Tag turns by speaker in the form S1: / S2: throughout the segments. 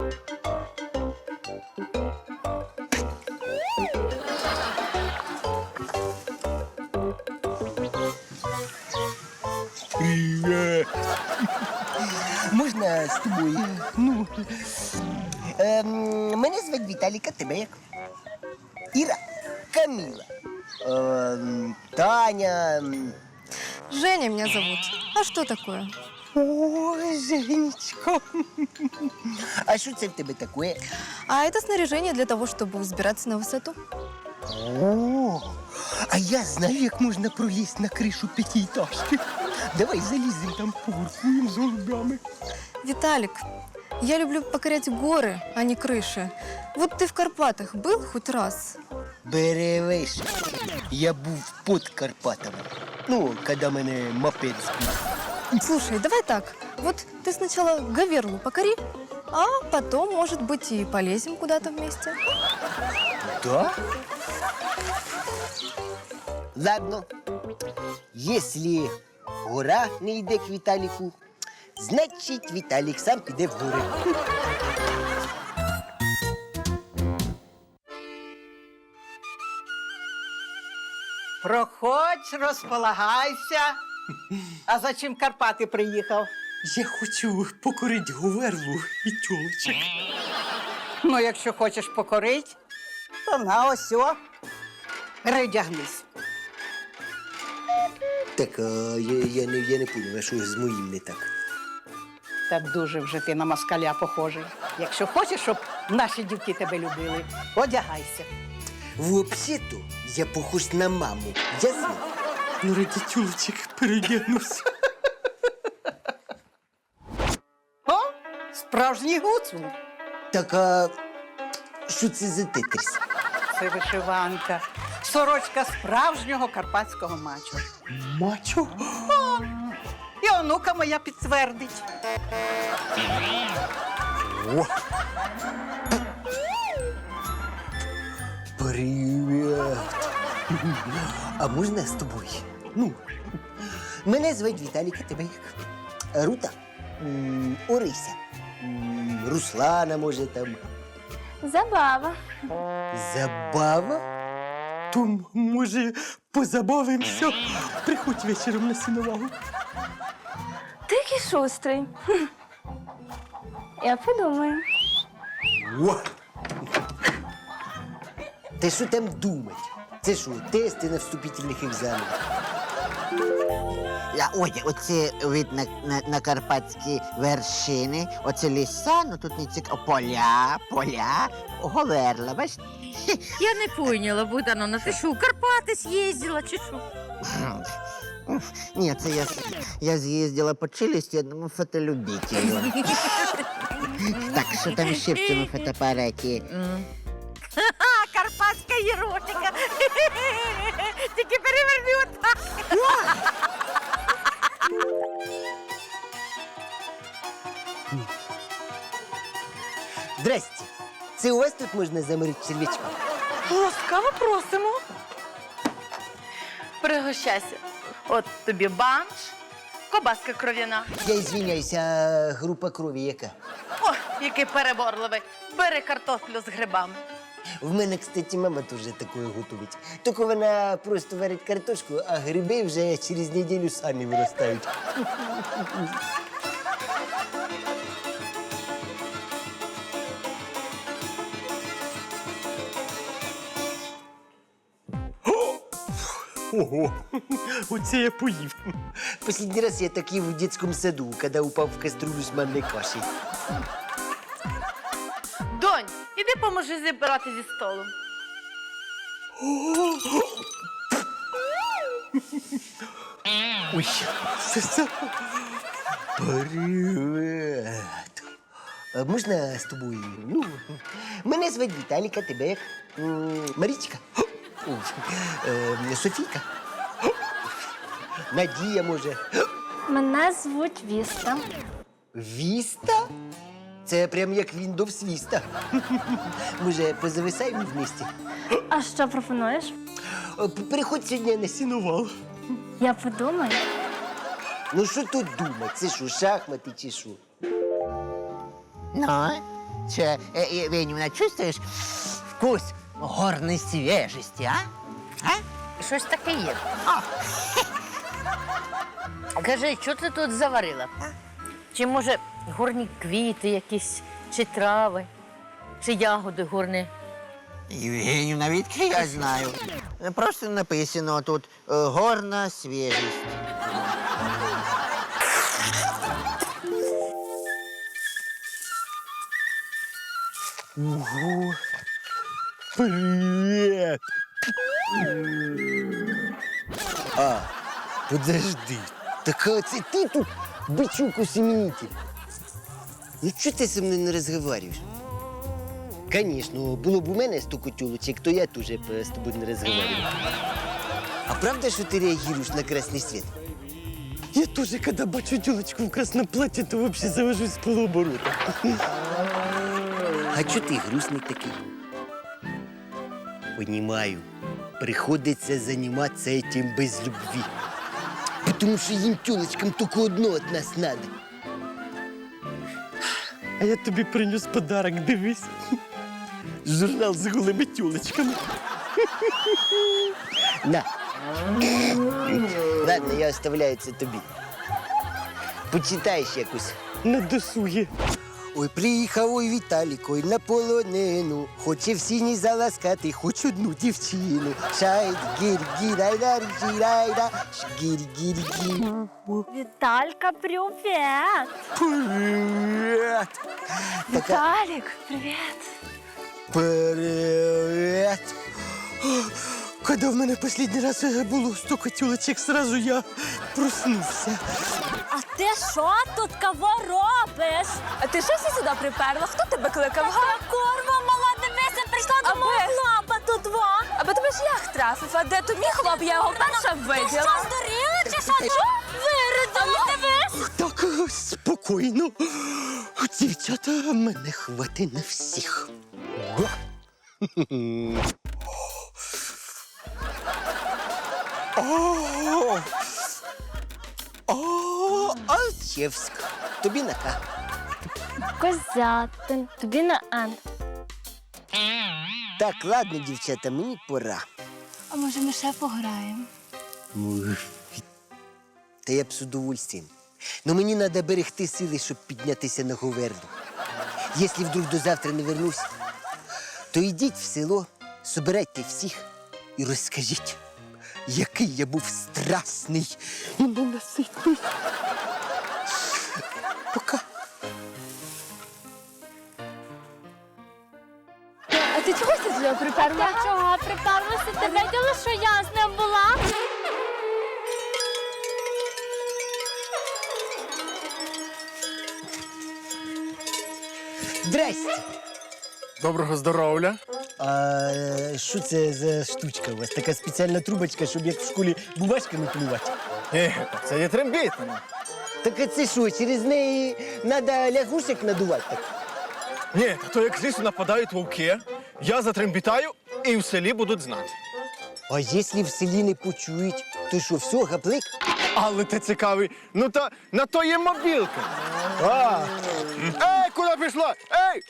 S1: Привет. Можна з тобою? Ну. Мене звати Віталік, а тебе як? Іра, Каміла, Таня.
S2: Женя меня зовут. А что такое?
S1: Ой, Женечко. А що це в тебе таке?
S2: А это снаряжение для того, чтобы взбираться на высоту.
S1: О, а я знаю, як можна пролізти на кришу п'ятиэтажки. Давай заліземо там, погуркуємо з голубями.
S2: Виталик, я люблю покорять горы, а не крыши. Вот ты в Карпатах был хоть раз?
S1: Беревиш. Я був під Карпатами. Ну, коли мене мопед збив.
S2: Слушай, давай так. Вот ты сначала Говерлу покори, а потом, может быть, и полезем куда-то вместе.
S1: Да? Ладно. Если гора не йде к Віталіку, значить Віталік сам піде в гори.
S3: Проходь, розполагайся. А за чим Карпати приїхав?
S4: Я хочу покорити Говерлу і тьолочок.
S3: Ну, якщо хочеш покорить, то на ось о. Передягнись.
S1: Так, я не поняв, а що з моїм не так?
S3: Так дуже вже ти на москаля похожий. Якщо хочеш, щоб наші дівки тебе любили, одягайся.
S1: Взагалі-то я похож на маму. Ясно?
S4: Ну, раді тьолочок передягнусь.
S3: О, справжній гуцул.
S1: Так, а що це за тетріс?
S3: Це вишиванка. Сорочка справжнього карпатського мачо.
S4: Мачо?
S3: І онука моя підтвердить.
S1: О! Привіт! А можна з тобою? Ну, мене звуть Віталік, а тебе як? Рута? Орися? Руслана, може, там?
S5: Забава.
S1: Забава?
S4: То, може, позабавимося? Приходь вечором на сіновагу.
S5: Ти який шустрий. Я подумаю.
S1: О! Та що там думать? Це що, тести на вступительних екзаменах?
S6: Ой, оце вид на карпатські вершини, оце ліса, ну тут не цікаво, поля, Говерла, бачите?
S7: Я не поняла, Богдановна, ти що, у Карпати з'їздила чи що?
S6: Ні, це я з'їздила по челюсті одному фотолюбителю. Так, що там ще в цьому фотоапараті?
S7: Карпатська єротика. Тільки переверни отак.
S1: Здрасте. Це у вас тут можна заморити черв'ячка?
S8: Ласкаво просимо. Пригощайся. От тобі банш, кобаска кров'яна.
S1: Я извиняюсь, а група крові яка?
S8: О, який переборливий. Бери картоплю з грибами.
S1: В мене, кстати, мама теж такое готовить. Тільки вона просто варить картошку, а гриби вже через неділю самі виростають.
S4: Ого, оце я поїв.
S1: Последний раз я так ел в детском саду, когда упал в кастрюлю с манной кашей.
S8: Донь, іди поможи зібрати зі столу.
S4: Ой, це.
S1: Привет. А можна з тобою? Ну, мене звати Віталік, а тебе як? Марічка? Софійка? Надія, може?
S5: Мене звуть Віста.
S1: Віста? Це прям як Windows Vista. Може, позависаємо вместе?
S5: А що пропонуєш?
S1: Приходь сьогодні на сіновал.
S5: Я подумаю.
S1: Ну що тут думати? Це що, шахмати чи що?
S6: Ну, Че, Венюна, чувствуєш вкус горної свіжості, а?
S7: Щось таке є. Кажи, що ти тут заварила? Чи може горні квіти якісь, чи трави, чи ягоди горні?
S6: Євгенівна, відки я знаю. Просто написано тут горна свіжість.
S1: Ого. Привет. Подожди. Так це ти тут бичук усеменитель? Ну чого ти зі мною не розговорюєш? Конечно, було б у мене 100 котюлочек, то я теж з тобою не розговорював. А правда, що ти реагуєш на красний світ? Я тоже, когда бачу тёлочку в красном платье, то вообще завожусь с полуоборота. А чё ты грустный такой? Понимаю, приходится заниматься этим без любви. Потому что им тёлочкам только одно от нас надо. А я тобі принес подарок, дивись. Журнал з голими тёлочками. На. Ладно, я оставляю це тобі. Почитаєш якось. На досугі. Ой, приїхав ой Віталік, ой на полонину. Хоче в сіні заласкати, хоч одну дівчину. Шайд, гір-гір-айдар, гір-айда, гір-гір-гір.
S5: Віталька, привіт!
S1: Привіт!
S5: Віталік, привіт!
S1: Привіт! Когда в мене последний раз було 100 котюлочек, сразу я проснувся.
S9: А ти що тут кого робиш? А ти що сюди приперла? Хто тебе кликав? Курва, мала, дивися, прийшла до мого хлопа тут два. Аби тебе шлях трафив, а де то мій хлоп, я його перша виділа. Ти що, здуріла чи що? Виридала? Дивись.
S1: Так, спокійно. Дівчата, мене хватить на всіх. Ба. Алчевськ. Тобі на К.
S5: Козятин, тобі на Н.
S1: Так, ладно, дівчата, мені пора.
S9: А може ми ще пограємо?
S1: Та я б з удовольствием. Но мені треба берегти сили, щоб піднятися на Говерлу. Якщо вдруг до завтра не вернусь, то йдіть в село, собирайте всіх і розкажіть, який я був страсний і ненаситний. Пока.
S9: А ти чого сюди приперла?
S5: Я чого приперлася? Ти виділа, що я з ним була?
S1: Здрасте.
S10: Доброго здоров'я.
S1: А що це за штучка у вас? Така спеціальна трубочка, щоб як в школі бумажками плювати?
S10: Це є трембіта.
S1: Так а це що, через неї треба лягушек надувати? Так?
S10: Ні, то як з лісу нападають вовки, я затрембітаю і в селі будуть знати.
S1: А якщо в селі не почують, то що, все, гаплик?
S10: Але ти цікавий, ну та на то є мобілка. Ей, куди пішла? Ей!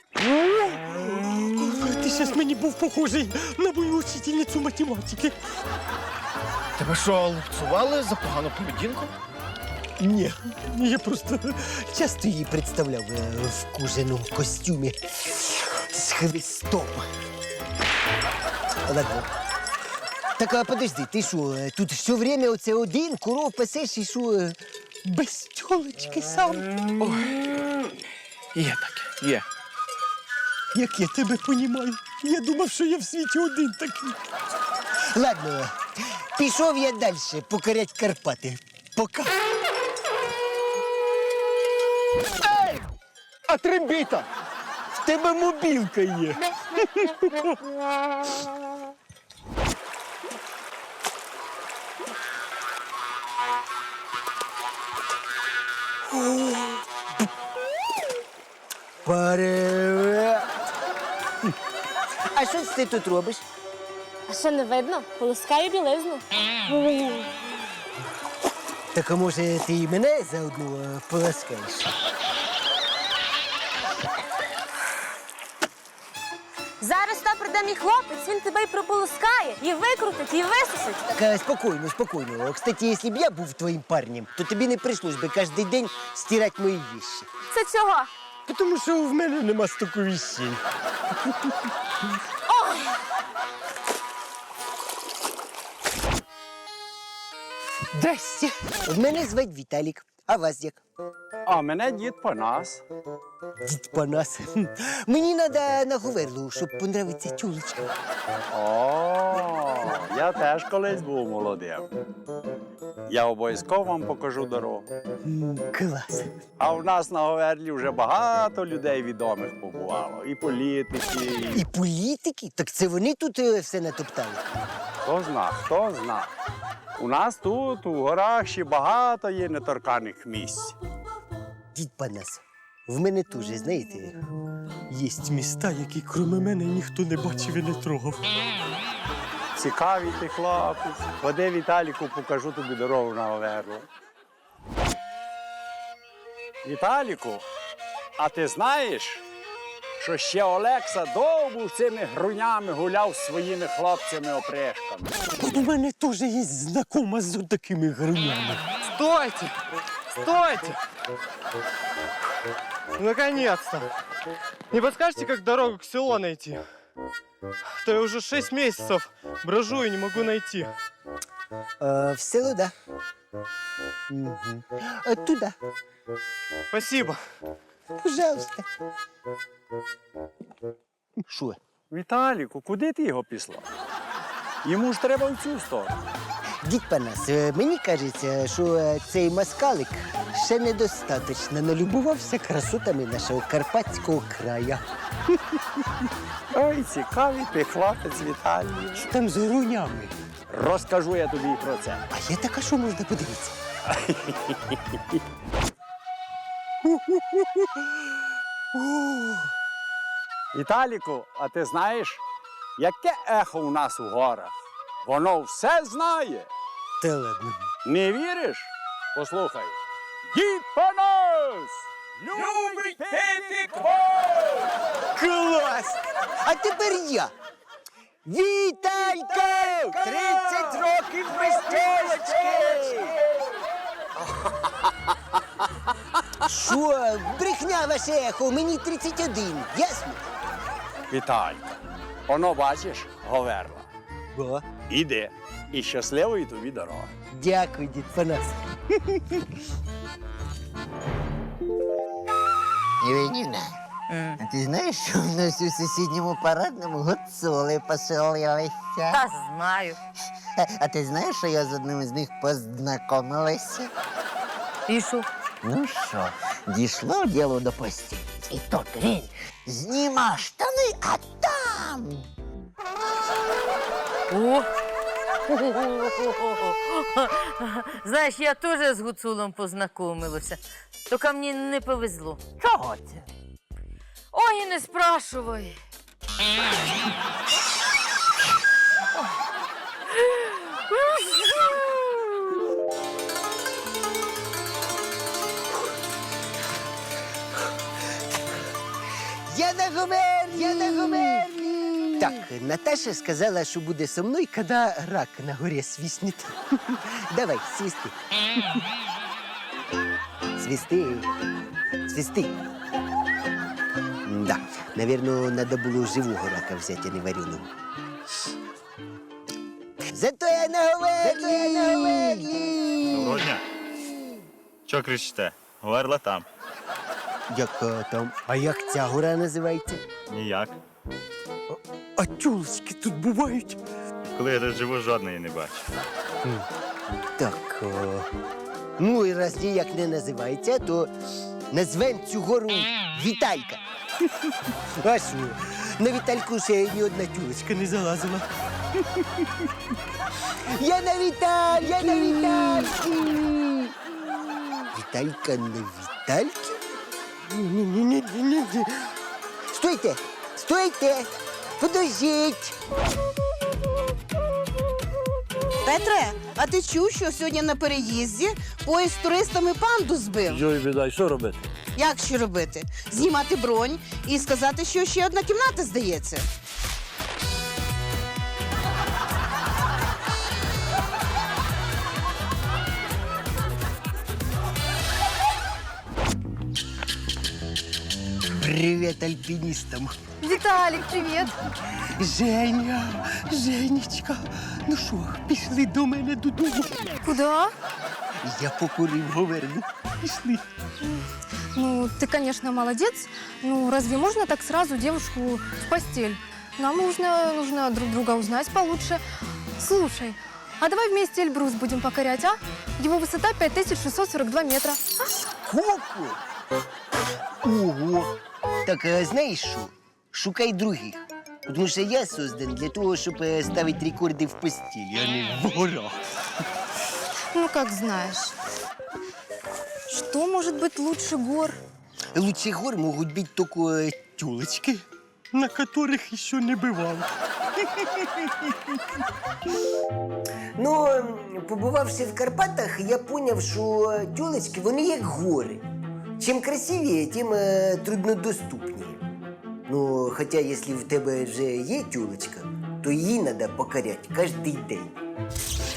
S1: Ти зараз мені був похожий на мою учительницю математики.
S10: Тебе що, лупцювали за погану поведінку?
S1: Ні, я просто часто її представляв в кожаному костюмі з хвистом. Ладно. Так, а подожди, ти що, тут все время оце один, коров пасеш і що, без тьолочки сам?
S10: Є таке, є.
S1: Як я тебе понімаю? Я думав, що я в світі один такий. Ладно, пішов я далі покорять Карпати. Пока.
S10: Ей! А трембіта?
S1: В тебе мобілка є. Привет! А що ти тут робиш?
S9: А що не видно? Полоскаю білизну.
S1: Так, а може, ти і мене заодно поласкаєш?
S9: Зараз та прийде мій хлопець, він тебе і прополоскає, і викрутить, і висушить.
S1: Так, спокійно, спокійно. Кстати, якщо б я був твоїм парнем, то тобі не прийшлось би кожен день стирати мої вещи.
S9: Це чого?
S1: Тому що в мене нема стільки вещей. Здрасте. Мене звать Віталік. А вас як?
S11: А мене дід Панас.
S1: Дід Панас. Мені треба на Говерлу, щоб понравиться тюлечка.
S11: О, я теж колись був молодим. Я обов'язково вам покажу дорогу.
S1: Клас.
S11: А в нас на Говерлі вже багато людей відомих побувало. І політики,
S1: І політики? Так це вони тут все натоптали.
S11: хто зна, хто зна. У нас тут, у горах, ще багато є неторканих місць.
S1: Дід Панас, в мене теж, знаєте,
S4: Є міста, які крім мене ніхто не бачив і не трогав.
S11: Цікавий ти хлопець. Ходи, Віталіку, покажу тобі дорогу на Говерлу. Віталіку, а ти знаєш, що ще Олекса довго цими грунями гуляв з своїми хлопцями-опришками?
S4: У мене теж є знакома з такими грунями.
S10: Стойте! Стойте! Наконец-то! Не подскажете, как дорогу к селу найти? А то я уже 6 месяцев брожу и не могу найти.
S1: в село, да? Угу. Туда,
S10: Спасибо.
S1: пожалуйста. Що?
S11: Віталіку, куди ти його післав? Йому ж треба в цю сторону.
S1: Дід Панас, мені кажеться, що цей москалик ще недостатньо налюбувався красотами нашого Карпатського краю.
S11: Ой, цікавий ти хлопець, Віталій.
S1: Що там з грунями?
S11: Розкажу я тобі про це.
S1: А є така, що можна подивитися?
S11: Віталіку, а ти знаєш, яке ехо у нас у горах? Воно все знає.
S1: Та ладно.
S11: Не віриш? Послухай. Дід Панас! Любить пити квас!
S1: Клас! А тепер я. Віталько! 30 років без тілочки! Що? Брехня ваше ехо, мені 31, ясно?
S11: Віталько, воно бачиш, Говерла.
S1: О,
S11: Іди. І щасливої тобі дороги.
S1: дякую, дід Панас.
S6: Іванівна, а ти знаєш, що в нас у сусідньому парадному гуцули поселилися?
S7: Та знаю.
S6: А ти знаєш, що я з одним з них познайомилася?
S7: І що?
S6: Ну що, дійшло діло до постілі. І тут він зніма штани, а там.
S7: О! Знаєш, я теж з гуцулом познайомилася. Тільки мені не повезло.
S6: Чого це?
S7: Ой, і не спрашивай.
S1: Я на Говерлі! Я на Говерлі! Так, Наташа сказала, що буде со мною, коли рак на горі свиснет. Давай, свисти. Свисти. Свисти. Да, наверное, надо було живого рака взяти, а не вареного. Зато я на Говерлі! Зато я на Говерлі!
S12: Доброго дня. Чого кричите? Говерла там.
S1: Яка там? А як ця гора називається?
S12: Ніяк.
S4: А тюлочки тут бувають?
S12: Коли я тут живу, жодної не бачу.
S1: Так, ну і раз ніяк не називається, то назвемо цю гору Віталька. А що? На Вітальку ще ні одна тюлочка не залазила. Я на Віталь! Я на Вітальці! Віталька на Вітальці? Ні. Стойте! Стойте! Подождіть!
S13: Петре, а ти чув, що сьогодні на переїзді поїзд з туристами панду збив?
S4: Йой, бідай, що робити?
S13: Як що робити? Знімати бронь і сказати, що ще одна кімната здається.
S1: Привіт альпіністам.
S2: Виталик, привет.
S1: Женя, Женечка, ну що, пішли до мене додому?
S2: Куда?
S1: Я покурив Говерлу. Пішли.
S2: Ну, ты, конечно, молодец. Ну, разве можно так сразу девушку в постель? Нам нужно друг друга узнать получше. Слушай, а давай вместе Эльбрус будем покорять, а? Его высота 5642 метра.
S1: Сколько? Ого! Так, а знаєш що? Шукай других. Тому що я создан для того, щоб ставити рекорди в постілі, а не в горах.
S2: Ну, как знаешь. Что может быть лучше гор?
S1: Лучше гор можуть бути тільки тюлечки.
S4: На которых еще не бывал.
S1: Ну, побувавши в Карпатах, я зрозумів, що тюлечки, вони як гори. Чим красивіше, тим труднодоступніше. Ну, хоча, якщо в тебе вже є тюлечка, то її треба покоряти кожен день.